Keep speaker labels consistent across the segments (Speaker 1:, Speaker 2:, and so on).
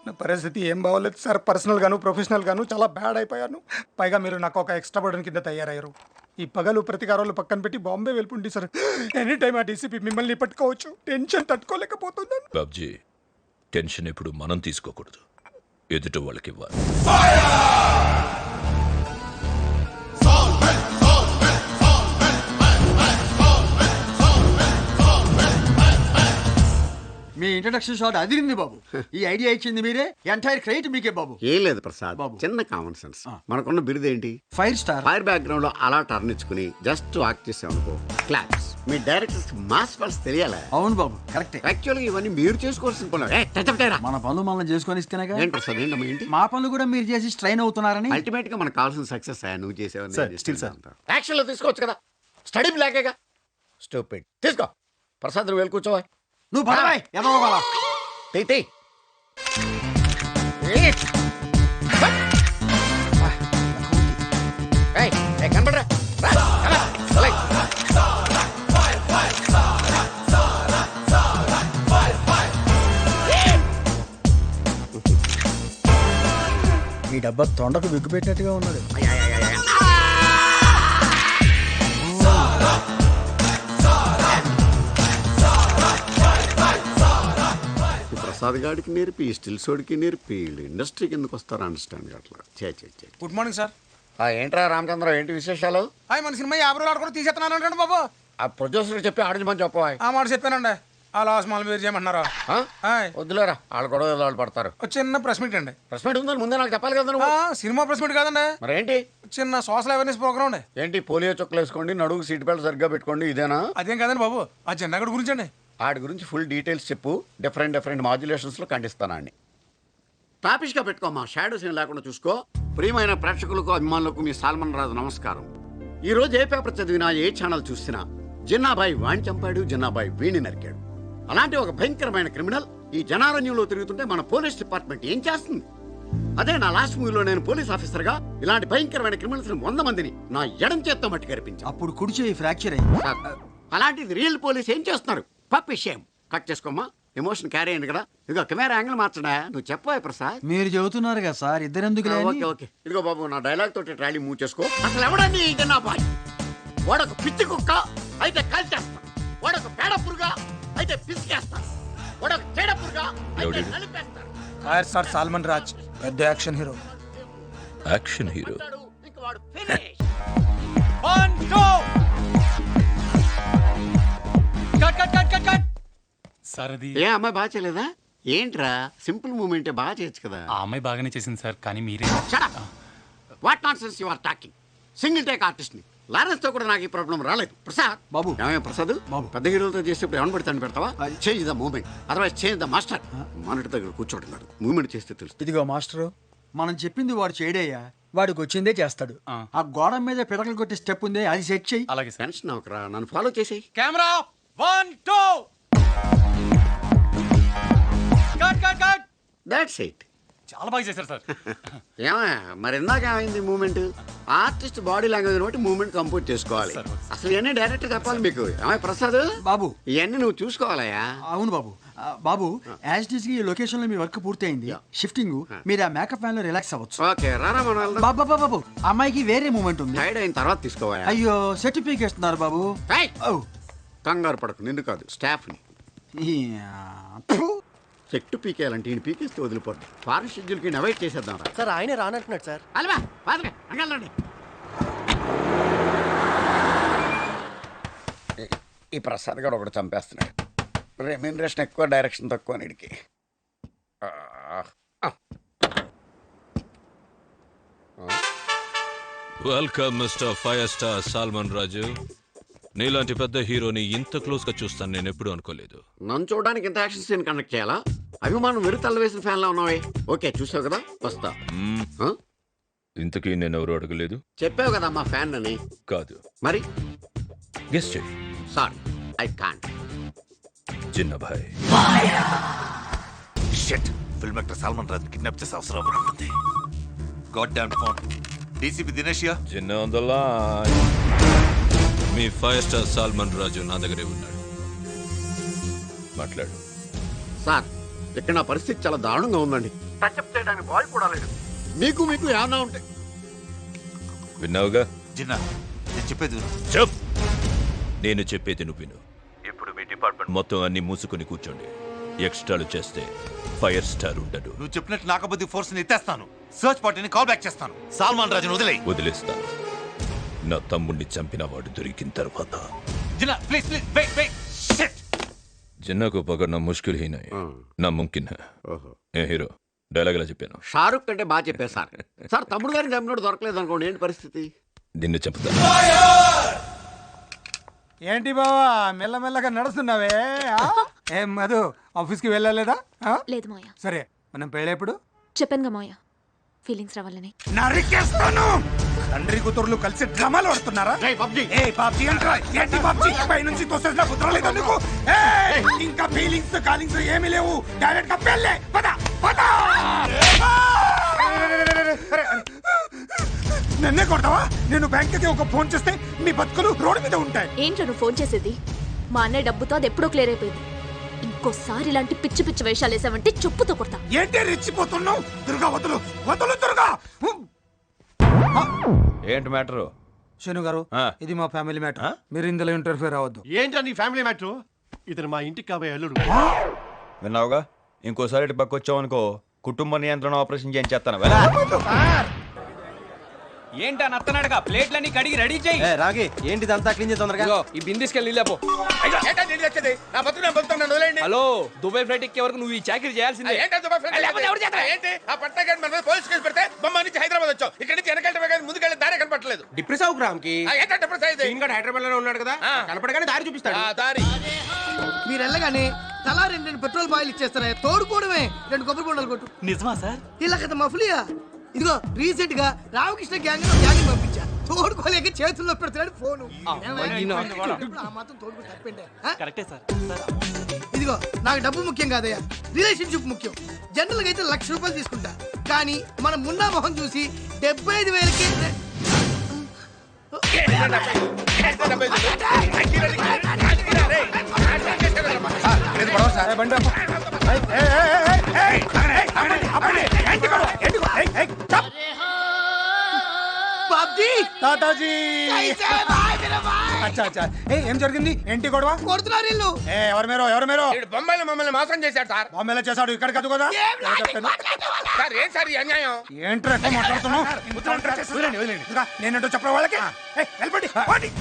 Speaker 1: నా పరిస్థితి ఏం బాగోలేదు సార్. పర్సనల్ గాను ప్రొఫెషనల్ గాను చాలా బ్యాడ్ అయిపోయాను. పైగా మీరు నాకు ఒక ఎక్స్ట్రా బర్డన్ కింద తయారయ్యారు. ఈ పగలు ప్రతికారాలు పక్కన పెట్టి బాంబే వెళ్ళిపోండి సార్. ఎనీ టైం ఆ డీసీపీ మిమ్మల్ని పట్టుకోవచ్చు. టెన్షన్ తట్టుకోలేకపోతున్నాను.
Speaker 2: బాబ్జీ, టెన్షన్ ఇప్పుడు మనం తీసుకోకూడదు, ఎదుటి వాళ్ళకి ఇవ్వాలి.
Speaker 3: మీ ఇంట్రడక్షన్ షాట్ అదిరింది బాబు. ఈ ఐడియా ఇచ్చింది మీరే, ఎంటైర్ క్రెడిట్ మీకే బాబు.
Speaker 4: ఏం లేదు ప్రసాద్
Speaker 3: బాబు.
Speaker 4: చిన్న కామన్ సెన్స్. మనకున్న బిరుదేంటి?
Speaker 3: Fire star.
Speaker 4: ఫైర్ బ్యాక్గ్రౌండ్ లో అలా టర్న్ ఇచ్చుకుని జస్ట్ వాక్ చేసామనుకో క్లాప్స్. మీ డైరెక్టర్స్ మాస్ పల్స్ తెలియాలా?
Speaker 3: అవును బాబు, కరెక్టే.
Speaker 4: యాక్చువల్గా ఇవన్నీ మీరు చేసుకోవాల్సిన పనులు.
Speaker 3: మన పనులు మనం చేసుకొని ఇస్తేనేగా.
Speaker 4: ఏంటి ప్రసాద్ ఏంటమ్మా ఏంటి?
Speaker 3: మా పనులు కూడా మీరు చేసి స్ట్రైన్ అవుతున్నారని.
Speaker 4: అల్టిమేట్ గా మనకు కావాల్సిన సక్సెస్ నువ్వు చేసావని.
Speaker 5: యాక్షన్ లో తీసుకోవచ్చు కదా, స్టడీ బ్లాకేగా. స్టూపిడ్. తీసుకో ప్రసాద్, నువ్వు వెళ్ళి కూర్చోవా.
Speaker 3: నువ్వు పడవాయ్ ఎదవ బాలా.
Speaker 5: తీ కనపడరా.
Speaker 3: ఈ డబ్బా తొండకు బిగ్గు పెట్టినట్టుగా ఉన్నాడు.
Speaker 4: ప్రసాద్ గాడికి నేర్పి స్టిల్ సోడికి నేర్పి ఇండస్ట్రీ కిందకు వస్తారు అండర్స్టాండ్ అట్లా.
Speaker 1: Good morning sir.
Speaker 5: ఏంట్రా రామచంద్ర, ఏంటి విశేషాలు?
Speaker 1: హాయ్, మన సినిమా 50 రోజులు ఆడుకుని తీసేస్తున్నాను అండి బాబు.
Speaker 5: ఆ ప్రొడ్యూసర్ చెప్పి ఆడించమని చెప్పవా.
Speaker 1: ఆ మాట చెప్పానండి. ఆ లాస్ట్ మాల్ మీరు చేయమంటున్నారా?
Speaker 5: వద్దులేరా, వాళ్ళు గొడవ వాళ్ళు పడతారు.
Speaker 1: చిన్న ప్రెస్ మీట్ అండి.
Speaker 5: ప్రెస్ మీట్ ఉందని ముందే నాకు చెప్పాలి కదా నువ్వు.
Speaker 1: సినిమా ప్రెస్ మీట్ కాదండి,
Speaker 5: మరేంటి?
Speaker 1: చిన్న సోషల్ అవేర్నెస్ ప్రోగ్రామ్ అండి.
Speaker 5: ఏంటి పోలియో చుక్కలు వేసుకోండి, నడుగు సీట్ బెల్ట్ సరిగ్గా పెట్టుకోండి, ఇదేనా?
Speaker 1: అదేం కాదండి బాబు, ఆ జెండా గడి గురించి అండి.
Speaker 5: వాడి గురించి ఫుల్ డీటెయిల్స్ చెప్పు. డిఫరెంట్ మాడ్యులేషన్స్లో ఖండిస్తానండి.
Speaker 4: టాపిష్గా పెట్టుకోమ్మా, షాడో సీన్ లేకుండా చూసుకో. ప్రియమైన ప్రేక్షకులకు అభిమానులకు మీ సాల్మన్ రాజు నమస్కారం. ఈ రోజు ఏ పేపర్ చదివినా ఏ ఛానల్ చూసినా జిన్నాబాయి వాణ్ణి చంపాడు, జిన్నాబాయి వీణి నరికాడు. అలాంటి ఒక భయంకరమైన క్రిమినల్ ఈ జనారణ్యంలో తిరుగుతుంటే మన పోలీస్ డిపార్ట్మెంట్ ఏం చేస్తుంది? అదే నా లాస్ట్ మూవీలో నేను పోలీస్ ఆఫీసర్గా ఇలాంటి భయంకరమైన క్రిమినల్స్ 100 మందిని నా ఎడం చేత్తో మట్టి కనిపించాను.
Speaker 3: అప్పుడు కుడిచేయి ఫ్రాక్చర్ అయ్యింది.
Speaker 4: అలాంటిది రియల్ పోలీస్ ఏం చేస్తున్నారు? పప్పి షేమ్. కట్ చేసుకోమ్మా, ఎమోషన్ క్యారీ అయింది కదా. ఇదిగో కెమెరా యాంగిల్ మార్చడా, నువ్వు చెప్పవా ప్రసాద్?
Speaker 3: మీరు చెబుతున్నారు కదా సార్, ఇద్దరెందుకు?
Speaker 4: ఓకే ఓకే, ఇదిగో బాబు నా డైలాగ్ తోటి ట్రాలీ మూవ్ చేసుకో. అసలు ఎవడని నా బాయ్? వాడొక పిచ్చి కుక్క అయితే కాల్చేస్తా, వాడొక పేడ పురుగా అయితే పిసికేస్తా, వాడొక చెడ పురుగా అయితే నలిపేస్తా.
Speaker 1: ఫైర్ స్టార్ సాల్మన్ రాజ్, పెద్ద యాక్షన్ హీరో.
Speaker 2: Action hero.
Speaker 4: ఇంక వాడు ఫినిష్.
Speaker 6: సార్ అది
Speaker 4: ఏ అమ్మాయి బాగా చేయలేదా? ఏంట్రా సింపుల్ మూమెంటే బాగా చేయొచ్చు కదా.
Speaker 6: ఆ అమ్మాయి బాగానే చేసింది సార్, కానీ మీరే.
Speaker 4: What nonsense you are talking. Single take artist ని లారెన్స్ తో కూడా నాకు ఈ ప్రాబ్లం రాలేదు. ప్రసాద్
Speaker 3: బాబు.
Speaker 4: ఏమయ్య ప్రసాద్
Speaker 3: బాబు.
Speaker 4: పెద్ద హీరోలతో చేసేప్పుడు ఏమని పెడతాను పెడతావా? Change the moment, otherwise change the master. Monitor దగ్గర కూర్చోడున్నాడు, మూమెంట్ చేస్తే తెలుసు.
Speaker 3: ఇదిగో మాస్టరు, మనం చెప్పింది వాడు చేయడయ్యా, వాడికి వచ్చిందే చేస్తాడు. ఆ గోడ మీద పిడకలు కొట్టే స్టెప్ ఉంది, అది సెట్ చెయ్యి.
Speaker 6: అలాగే సార్.
Speaker 4: టెన్షన్ అవకరా, నన్ను ఫాలో చేసేయి.
Speaker 6: Camera 1 2 cut cut cut.
Speaker 4: That's it.
Speaker 6: చాలా బాగా చేశారు సార్.
Speaker 4: ఏమయ్య మరి ఇందాక ఏమైంది మూమెంట్? ఆర్టిస్ట్ బాడీ లాంగ్వేజ్ బట్టి మూమెంట్ కంపోజ్ చేసుకోవాలి. అసలు ఇవన్నీ డైరెక్ట్ చెప్పాలి మీకు. ఏమయ్య ప్రసాద్
Speaker 3: బాబు,
Speaker 4: ఇవన్నీ నువ్వు చూసుకోవాలయ్యా.
Speaker 3: అవును బాబు. బాబు, యాజ్ ఇట్ ఈస్ గా ఈ లొకేషన్ లో మీ వర్క్ పూర్తయింది. షిఫ్టింగ్ మీరు ఆ మేకప్ ఫ్యాన్ లో రిలాక్స్ అవ్వచ్చు.
Speaker 4: ఓకే రారా మన వెళ్దాం.
Speaker 3: బాబా బాబు, అమ్మాయికి వేరే మూమెంట్ ఉంది.
Speaker 4: టైర్డ్ అయిన తర్వాత తీసుకోవాలి.
Speaker 3: అయ్యో, సర్టిఫికేట్ ఇస్తున్నారు బాబు. ఓ,
Speaker 4: కంగారు పడకు, నిన్ను కాదు స్టాఫ్ ని. చెట్టు పీకేయాలంటే ఈయన పీకేస్తే వదిలిపోద్ది. ఫారెస్ట్ షెడ్యూల్ కి అవాయిడ్ చేసేద్దాం రా.
Speaker 5: సార్ ఆయనే రానంటున్నాడు సార్.
Speaker 4: అలవా పాదలే అంగలండి.
Speaker 5: ఈ ప్రసాద్ గారు ఒకటి చంపేస్తున్నాడు. రెమ్యూనరేషన్ ఎక్కువ, డైరెక్షన్ తక్కువ నీడికి.
Speaker 2: Welcome mister fire star Salman Raju. నీలాంటి పెద్ద హీరోని ఇంత క్లోజ్ గా చూస్తాను నేను ఎప్పుడు అనుకోలేదు.
Speaker 4: నన్ను చూడడానికి ఇంత యాక్షన్ సీన్ కండక్ట్ చేయాలా? అభిమానం వెరు తల్ల వేసిన ఫ్యాన్ లా ఉన్నావే. ఓకే చూసావు కదా, వస్తా.
Speaker 2: ఇంతకీ నేను ఎవరు అడగలేదు.
Speaker 4: చెప్పావు కదా మా ఫ్యాన్ అని.
Speaker 2: కాదు,
Speaker 4: మరి
Speaker 2: గెస్ట్ చేయి.
Speaker 4: Sorry I can't.
Speaker 2: Jinnabhai.
Speaker 7: Shit, film actor Salman Raj kidnap చేసే అవసరం ఉంటుంది. God damn phone. డీసీపీ దినేషియా.
Speaker 2: Jinna on the line. మీ ఫైర్ స్టార్ సాల్మన్ రాజు నా దగ్గరే ఉన్నాడు, మాట్లాడు.
Speaker 4: సార్ ఇక్కడ నా పరిస్థితి చాలా దారుణంగా ఉందండి. టచ్అప్ చేయడానికి బాయ్ కూడా లేదు. మీకు ఏమన్నా ఉంటే
Speaker 2: విన్నావుగా?
Speaker 7: జిన్నా నేను చెప్పేది విను.
Speaker 2: చెప్. నేను చెప్పేది నువ్వు విను. ఇప్పుడు మీ డిపార్ట్మెంట్ మొత్తం అన్ని మూసుకొని కూర్చోండి. ఎక్స్ట్రాలు చేస్తే ఫైర్ స్టార్ ఉండడు.
Speaker 7: నువ్వు చెప్పినట్టు నాకబద్ది ఫోర్స్ ని ఎత్తేస్తాను. సర్చ్ పార్టీని కాల్ బ్యాక్ చేస్తాను. సాల్మాన్ రాజును
Speaker 2: వదిలేస్తాను. నా తమ్ముడిని చంపిన వాడు దొరికిన తర్వాత.
Speaker 7: Jinna please wait shit.
Speaker 2: జిన్నాకు పకడ్నా ముష్కిల్ హీ నై, నా ముమ్కిన్ హై. ఏ హీరో డైలాగ్ ఎలా చెప్పాను?
Speaker 4: షారుఖ్ కంటే బాగా చెప్పారు సార్. సార్ తమ్ముడు గారిని చంపినోడు దొరకలేదు అనుకోండి, ఏంటి పరిస్థితి?
Speaker 2: నిన్ను చెప్తా.
Speaker 1: ఏంటి బావా మెల్లమెల్లగా నడుస్తున్నావే? ఏం మధు ఆఫీస్కి వెళ్ళలేదా?
Speaker 8: లేదు మోయా.
Speaker 1: సరే మనం పెళ్ళేప్పుడు?
Speaker 8: చెప్పానుగా మోయా, ఫీలింగ్స్ రావాలని.
Speaker 1: నరికేస్తాను. తండ్రి కూతురులు కలిసి డ్రామాలు ఆడుతున్నారా? ఏ బాబ్జీ అంటారా? ఏంటి బాబ్జీ పై నుంచి తోసేసిన కుదరలేదు నీకు? ఇంకా ఫీలింగ్స్ కాలింగ్స్ ఏమీ లేవు. డైరెక్ట్ గా పెళ్ళే. పద పద. నన్నే కొడతావా? నేను బ్యాంక్కి ఒక ఫోన్ చేస్తే మీ బతుకులు రోడ్డు మీద ఉంటాయి.
Speaker 8: ఏంట్రా నువ్వు ఫోన్ చేసేది? మా అన్నయ్య డబ్బుతో అది ఎప్పుడో క్లియర్ అయిపోయింది. ఇంకోసారి ఇలాంటి పిచ్చి పిచ్చి వేషాలు వేసావంటే చెప్పుతో కొడతా.
Speaker 1: ఏంటి రెచ్చిపోతున్నావు? దుర్గా వదులు వదులు దుర్గా.
Speaker 9: ఏంటి మ్యాటరు?
Speaker 1: శను గారు ఇది మా ఫ్యామిలీ మ్యాటర్. మీరు ఇందులో ఇంటర్ఫియర్ అవ్వద్దు.
Speaker 6: ఏంటో నీ ఫ్యామిలీ మ్యాటర్? ఇతను మా ఇంటికి కాబోయే అల్లుడు.
Speaker 9: విన్నావుగా? ఇంకోసారి ఇటు పక్క వచ్చావు అనుకో, కుటుంబ నియంత్రణ ఆపరేషన్ చేయించేస్తాను.
Speaker 6: ఏంటా నత్తనాడుగా ప్లేట్లన్నీ కడిగి రెడీ చేయి.
Speaker 3: రాగి ఏంటిదంతా క్లీన్ చేసి తొందరగా.
Speaker 6: ఈ బిందిస్కెళ్ళి లేపో. హలో, దుబాయ్ ఫ్లైట్ ఎక్కే వరకు నువ్వు ఈ చాకరీ చేయాల్సిందే.
Speaker 5: హైదరాబాద్ వచ్చావు. ఇక్కడ నుంచి వెనకాల ముందుకెళ్ళి దారి కనపడలేదు.
Speaker 6: డిప్రెస్ అవు గ్రామ్ కి హైదరాబాద్ లోనే ఉన్నాడు కదా, కనపడగానే దారి చూపిస్తాడు.
Speaker 5: దారి
Speaker 3: మీరు వెళ్ళగానే తలా రెండు పెట్రోల్ బాయిల్ ఇచ్చేస్తారా? తోడుకోవడమే. 2 కొబ్బరి బొండాలు కొట్టు.
Speaker 6: నిజమా సార్?
Speaker 3: ఇలా కదా మఫ్లియా. ఇదిగో రీసెంట్ గా రామకృష్ణ గ్యాంగ్ పంపించా. తోడుకోలేక చేతుల్లో పెడుతున్నాడు ఫోను. ఆ మాత్రం తోడుకు తప్పండి.
Speaker 6: కరెక్టే సార్.
Speaker 3: ఇదిగో నాకు డబ్బు ముఖ్యం కాదయ్యా, రిలేషన్షిప్ ముఖ్యం. జనరల్ గా అయితే 1,00,000 రూపాయలు తీసుకుంటా, కానీ మనం మున్నా మొహం చూసి 75,000కి బాబ్జీ
Speaker 1: తాతాజీ. అచ్చా అచ్చా. ఏం జరిగింది? ఏంటి గొడవ?
Speaker 3: కొడుతున్నారు ఇల్లు.
Speaker 1: ఎవరు మీరు?
Speaker 5: బొంబాయిలో మమ్మల్ని మోసం చేశాడు సార్.
Speaker 1: బాంబేలో చేశాడు, ఇక్కడ కాదు కదా?
Speaker 5: సార్ ఏం సార్ ఈ అన్యాయం?
Speaker 1: ఏంట్రా ఎక్కువ మాట్లాడుతున్నావు? ఇంకా నేనేంటో చెప్పడం వాళ్ళకి. వెళ్ళిపోండి.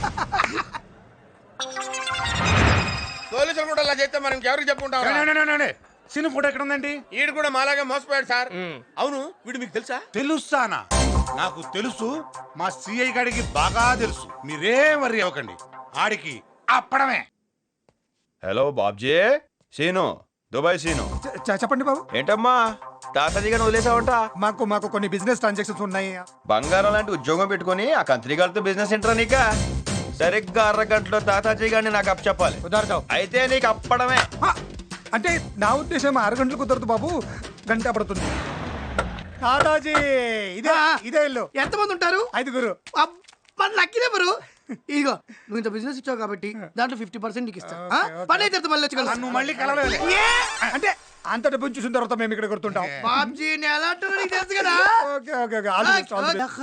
Speaker 5: పోలీసులు కూడా అలా చేస్తే మనం ఎవరికి చెప్పుకుంటాం?
Speaker 1: సినిమా ఫోటో ఎక్కడ ఉందండి?
Speaker 5: వీడు కూడా మాలాగా మోసపోయాడు సార్. అవును, వీడు మీకు తెలుసా?
Speaker 10: తెలుస్తానా? నాకు తెలుసు. మా సిఐ గారికి బాగా తెలుసు. మీరేం వర్రీ అవ్వకండి. ఆడికి అప్పడమే.
Speaker 9: హలో బాబ్జీ. సీను, దుబాయ్ సీను.
Speaker 1: చెప్పండి బాబు.
Speaker 9: ఏంటమ్మా తాతాజీగా వదిలేసావంట?
Speaker 1: మాకు కొన్ని బిజినెస్ ట్రాన్సాక్షన్స్ ఉన్నాయి.
Speaker 9: బంగారం లాంటి ఉద్యోగం పెట్టుకుని ఆ కంత్రి గారితో బిజినెస్ ఏంట్రా నీక? సరిగ్గా 1/2 గంటలో తాతాజీ గారిని నాకు అప్ చెప్పాలి.
Speaker 1: కుదరదు.
Speaker 9: అయితే నీకు అప్పడమే.
Speaker 1: అంటే నా ఉద్దేశం 6 గంటలు కుదరదు బాబు, గంట పడుతుంది. తాతాజీ ఇదే ఇల్లు.
Speaker 3: ఎంతమంది ఉంటారు?
Speaker 1: 5గురు.
Speaker 3: Lucky number. ఇదిగో నువ్వు ఇంత బిజినెస్ ఇచ్చావు కాబట్టి దాంట్లో 50% నీకు ఇస్తా. పని అయితే మళ్ళీ వచ్చి
Speaker 1: నువ్వు మళ్ళీ కలవలేదు. అంటే అంత డబ్బు చూసిన తర్వాత మేము ఇక్కడ కొడుతుంటాం.
Speaker 3: బాబ్జీ ఎలా అంటారో నీకు తెలుసు కదా.
Speaker 1: Okay okay okay. All the best, all the best.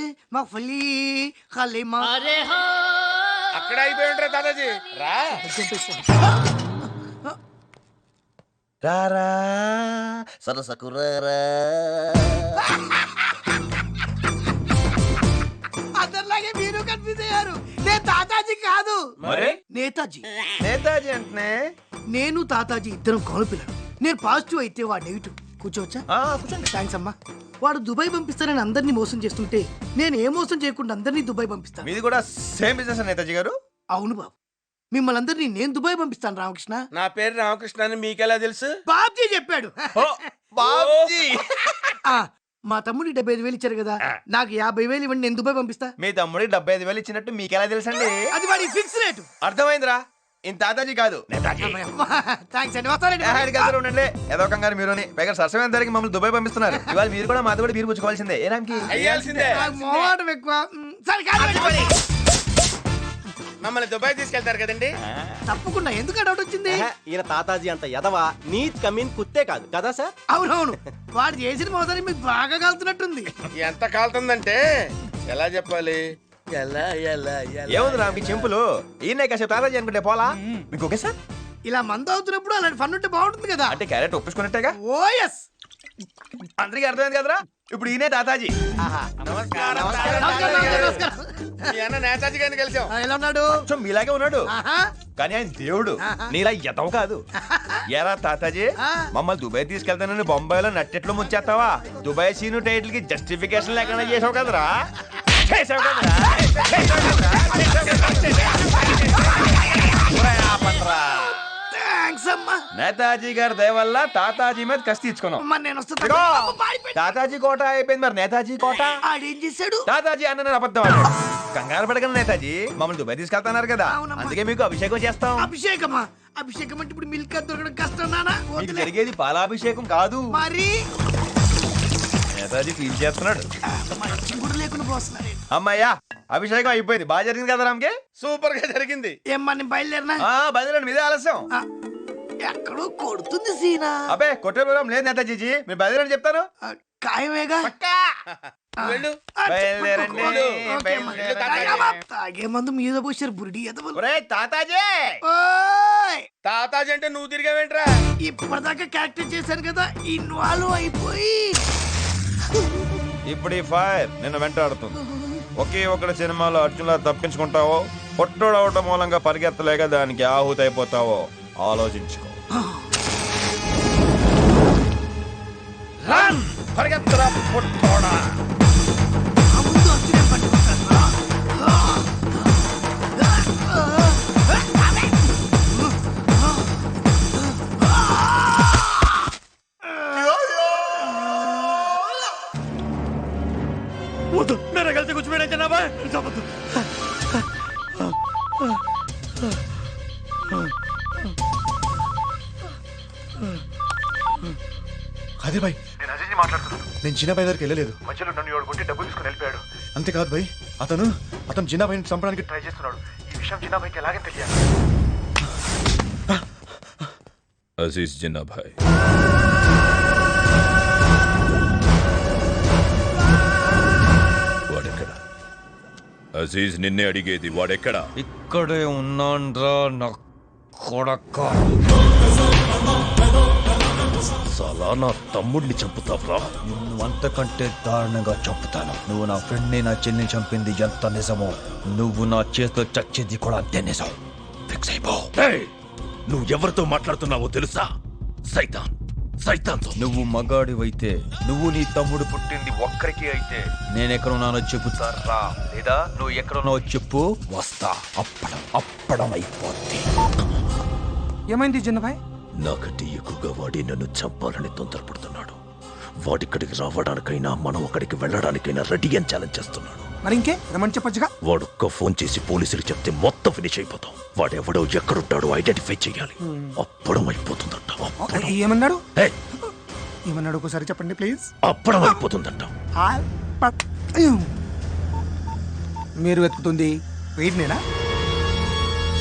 Speaker 5: అక్కడ అయిపోయి ఉంటారు దాదాజీ. రా
Speaker 9: రారా సరసకురారా.
Speaker 3: అందరిలాగే మీరు కన్ఫ్యూజ్ అయ్యారు. నేను తాతాజీ కాదు,
Speaker 9: మరి
Speaker 3: నేతాజీ.
Speaker 9: నేతాజీ అంటే
Speaker 3: నేను తాతాజీ ఇద్దరం కౌలు పిల్లలు. నేను పాజిటివ్ అయితే వాడు నెగిటివ్. కూర్చోవచ్చా? కూర్చోండి. థ్యాంక్స్ అమ్మా. వాడు దుబాయ్ పంపిస్తానని అందరినీ మోసం చేస్తుంటే నేను ఏ మోసం చేయకుండా అందరినీ దుబాయ్ పంపిస్తాను.
Speaker 9: మీది కూడా సేమ్ బిజినెస్ నేతాజీ గారు?
Speaker 3: అవును బాబు, మిమ్మల్ని అందరినీ నేను దుబాయ్ పంపిస్తాను. రామకృష్ణ.
Speaker 5: నా పేరు రామకృష్ణ అని మీకెలా తెలుసు?
Speaker 3: బాబ్జీ చెప్పాడు.
Speaker 9: బాబ్జీ.
Speaker 3: మా తమ్ముడికి 75,000 ఇచ్చారు కదా, నాకు 50,000 ఇవ్వండి, నేను దుబాయ్ పంపిస్తా.
Speaker 9: మీ తమ్ముడికి 75,000 ఇచ్చినట్టు మీకెలా తెలుసండి?
Speaker 3: అది వాడి ఫిక్స్ రేటు.
Speaker 9: అర్థమైందిరా. ఇంత తాతాజీ కాదు.
Speaker 3: థ్యాంక్స్ అండి. వస్తానండి.
Speaker 9: ఉండండి. ఏదో కంగారు మీరుని పైగా సరసమైన ధరకి మమ్మల్ని దుబాయ్ పంపిస్తున్నారు. ఇవాళ మీరు కూడా మాతో కూడా బీరు పుచ్చుకోవాల్సిందే. ఏ రామ్కి?
Speaker 5: అయ్యాల్సిందే.
Speaker 3: నాకు మోహమాటం ఎక్కువ. సరే కాదు.
Speaker 6: మమ్మల్ని దుబాయ్ తీసుకెళ్తారు కదండి.
Speaker 3: తప్పకుండా. ఎందుకు డౌట్ వచ్చింది?
Speaker 11: ఈయన తాతాజీ అంత ఎదవా నీత్ కమీన్ కుత్తే కాదు కదా సార్?
Speaker 3: అవునవును, వాడు చేసిన మోసాన్ని మీకు బాగా కాలుతున్నట్టుంది.
Speaker 6: ఎంత కాలుతుందంటే ఎలా చెప్పాలి? ఎలా ఎలా ఎలా
Speaker 9: ఏముంది రా మీ చెంపులు ఈయన కాసేపు తాతాజీ అనుకుంటే పోలా మీకు ఓకే సార్?
Speaker 3: ఇలా మందు అవుతున్నప్పుడు అలాంటి ఫన్ ఉంటే బాగుంటుంది కదా.
Speaker 9: అంటే క్యారెట్ ఒప్పించుకున్నట్టేగా.
Speaker 3: ఓ ఎస్.
Speaker 9: అందరికీ అర్థమైంది కదరా? ఇప్పుడు ఈయనే తాతాజీ.
Speaker 6: నమస్కారం.
Speaker 3: నమస్కారం.
Speaker 6: మీ అన్న నేతాజీ గారిని కలిసాం.
Speaker 3: ఎలా ఉన్నాడు?
Speaker 9: కొంచెం మీలాగే ఉన్నాడు
Speaker 3: ఆహా.
Speaker 9: కానీ ఆయన దేవుడు. నీలా ఎదవ కాదు. ఏరా తాతాజీ, మమ్మల్ని దుబాయ్ తీసుకెళ్తానని బొంబాయిలో నట్టెట్లు ముంచేస్తావా? దుబాయ్ సీను టైటిల్ కి జస్టిఫికేషన్ లేకుండా చేసావు కదరా.
Speaker 3: థాంక్స్ అమ్మా.
Speaker 9: నేతాజీ గారి దయ వల్ల తాతాజీ మీద కసి తీర్చుకున్నాం.
Speaker 3: అమ్మా, నేను వస్తా.
Speaker 9: ఇదిగో,
Speaker 3: అమ్మ, పారిపోయి.
Speaker 9: తాతాజీ కోట అయిపోయింది, మరి నేతాజీ కోట.
Speaker 3: ఆడేం చేశాడు?
Speaker 9: తాతాజీ అన్న అబద్ధం ఆడాడు. కంగారు పడగలను నేతాజీ, మమ్మల్ని దుబాయ్ తీసుకెళ్తున్నారు కదా,
Speaker 3: అవునమ్మా.
Speaker 9: అందుకే మీకు అభిషేకం చేస్తాం.
Speaker 3: అభిషేకమా? అభిషేకం అంటే ఇప్పుడు మిల్క్ దొరకడం కష్టం నానా.
Speaker 9: మీకు జరిగేది పాలాభిషేకం కాదు.
Speaker 3: మరి
Speaker 9: నేతాజీ ఫీల్ చేస్తున్నాడు.
Speaker 3: కూడా లేకుండా పోస్తున్నాడు.
Speaker 9: అమ్మాయ్యా, అభిషేకం అయిపోయింది. బాగా జరిగింది కదా రామ్కి?
Speaker 6: సూపర్ గా జరిగింది.
Speaker 3: ఏమ్మా, నేను బయలుదేరినా?
Speaker 9: బయలుదేరండి, మీదే ఆలస్యం.
Speaker 3: ఆ, ఎక్కడో కొడుతుంది సీనా.
Speaker 9: అబ్బే కొట్టే ప్రోగ్రాం లేదు నేతాజీ, మీరు బయలుదేరని చెప్తాను.
Speaker 3: ఆ, ఖాయమేగా. ఆ,
Speaker 6: వెళ్ళు.
Speaker 3: ఆ,
Speaker 9: బయలుదేరండి,
Speaker 3: ఓకే అమ్మా.
Speaker 9: బయలుదేరండి.
Speaker 3: అమ్మా, తాగే మందు మీద పోసారు బురిడి ఎదవలు.
Speaker 9: ఒరేయ్ తాతాజీ,
Speaker 3: ఓయ్,
Speaker 6: తాతాజీ అంటే నువ్వు తిరిగావేంట్రా?
Speaker 3: ఇప్పటిదాకా క్యారెక్టర్ చేశాను కదా, ఇన్వాల్వ్ అయిపోయి.
Speaker 9: ఇప్పుడు ఈ ఫైర్ నిన్ను వెంటాడుతుంది. ఒకే ఒకటి సినిమాలో అర్జున్లా తప్పించుకుంటావో, పొట్టోడు అవటం మూలంగా పరిగెత్తలేక దానికి ఆహుతి అయిపోతావో ఆలోచించుకో. రన్! పరిగెత్తరా పొట్టోడా.
Speaker 3: ఆ ముందు అర్జునే పట్టుకుంటాను.
Speaker 1: వద్దు, నేను కలిసి కూర్చోబెట్టే జనాభా చెప్పద్దు.
Speaker 12: అదే భాయ్, నేను అజయ్ మాట్లాడుతున్నాను. నేను చిన్నబాయ్ దగ్గరికి వెళ్ళలేదు. మధ్యలో నన్ను ఎవడు కొట్టి డబ్బులు తీసుకుని వెళ్ళిపోయాడు. అంతేకాదు భాయ్, అతను చిన్నబాయిని చంపడానికి ట్రై చేస్తున్నాడు. ఈ విషయం చిన్నబాయికి ఎలాగే తెలియాలి.
Speaker 2: అజీజ్ జిన్నాభాయ్, వాడెక్కడ? అజీజ్ నిన్నే అడిగేది, వాడెక్కడ?
Speaker 9: ఇక్కడే ఉన్నాన్రా నా కొడక.
Speaker 2: సలా నా తమ్ముడిని చంపుతావురా?
Speaker 12: నువ్వు అంతకంటే దారుణంగా చంపుతాను. నువ్వు నా ఫ్రెండ్ని, నా చెల్లిని చంపింది ఎంత నిజమో, నువ్వు నా చేతిలో చచ్చేది కూడా అంతే నిజం. ఫిక్స్ అయిపో.
Speaker 2: నువ్వు ఎవరితో మాట్లాడుతున్నావో తెలుసా? సైతాన్తో.
Speaker 12: నువ్వు మగాడివైతే, నువ్వు నీ తమ్ముడు పుట్టింది ఒక్కరికి అయితే, నేనెక్కడున్నానో చెబుతారా? లేదా నువ్వు ఎక్కడున్నావో చెప్పు, వస్తా. అప్పడం అయిపోద్ది.
Speaker 1: ఏమైంది చిన్నబాయ్?
Speaker 2: నాకంటే ఎక్కువగా వాడి నన్ను చంపాలని తొందరపడుతున్నాడు. వాడిక్కడికి రావడానికైనా మనం అక్కడికి వెళ్ళడానికైనా రెడీ అని ఛాలెంజ్ చేస్తున్నాడు.
Speaker 1: మరి ఇంకే రమని చెప్పొచ్చుగా.
Speaker 2: వాడొక్క ఫోన్ చేసి పోలీసులకు చెప్తే మొత్తం ఫినిష్ అయిపోతాం. వాడెవడో ఎక్కడుంటాడో ఐడెంటిఫై చేయాలి. అప్పడం అయిపోతుందంట.
Speaker 1: ఏమన్నాడు? ఏమన్నాడు ఒకసారి చెప్పండి ప్లీజ్.
Speaker 2: అప్పడం అయిపోతుందంట.
Speaker 1: మీరు వెతుకుతుంది వీడినేనా?